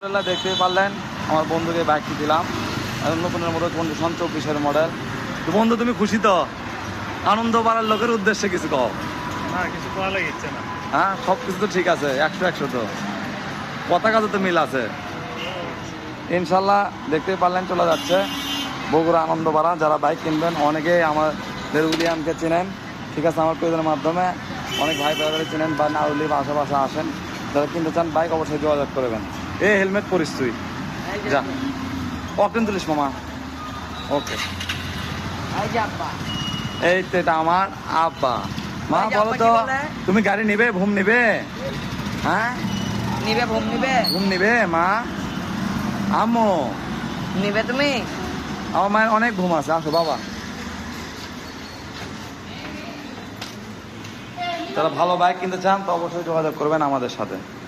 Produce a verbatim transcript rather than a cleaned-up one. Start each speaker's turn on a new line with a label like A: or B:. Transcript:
A: দেখতেই পারলেন আমার বন্ধুকে বাইকটি দিলাম নতুনের মতো কন্ডিশন চব্বিশের মডেল। তো বন্ধু তুমি খুশি তো? আনন্দ বাড়ার লোকের উদ্দেশ্যে কিছু কও
B: না, কিছু করা লাগছে না।
A: হ্যাঁ, সব কিছু তো ঠিক আছে, একশো একশো তো পতাকা তো মিল আছে ইনশাল্লাহ। দেখতেই পারলেন চলে যাচ্ছে বগুড়া আনন্দপাড়া। যারা বাইক কিনবেন অনেকেই আমাদের উলিয়ামকে চেনেন, ঠিক আছে, আমার পেজের মাধ্যমে অনেক ভাই ভাইদের চেনেন বা নাউলি আশেপাশে আসেন। যারা কিনতে চান বাইক অবশ্যই যোগাযোগ করবেন। এ হেলমেট পরিস তুই, যা অকেন তুলিস মামা। ওকে, এই তো এটা আমার আব্বা। মা বলো তো, তুমি গাড়ি নিবে, ভুম নিবে? হ্যাঁ
C: নিবে, ভুম নিবে,
A: ঘুম নিবে মা? আম্মু
C: নিবে তুমি?
A: আমার মায়ের অনেক ঘুম আছে, আসো বাবা। যারা ভালো বাইক কিনতে চান তো অবশ্যই যোগাযোগ করবেন আমাদের সাথে।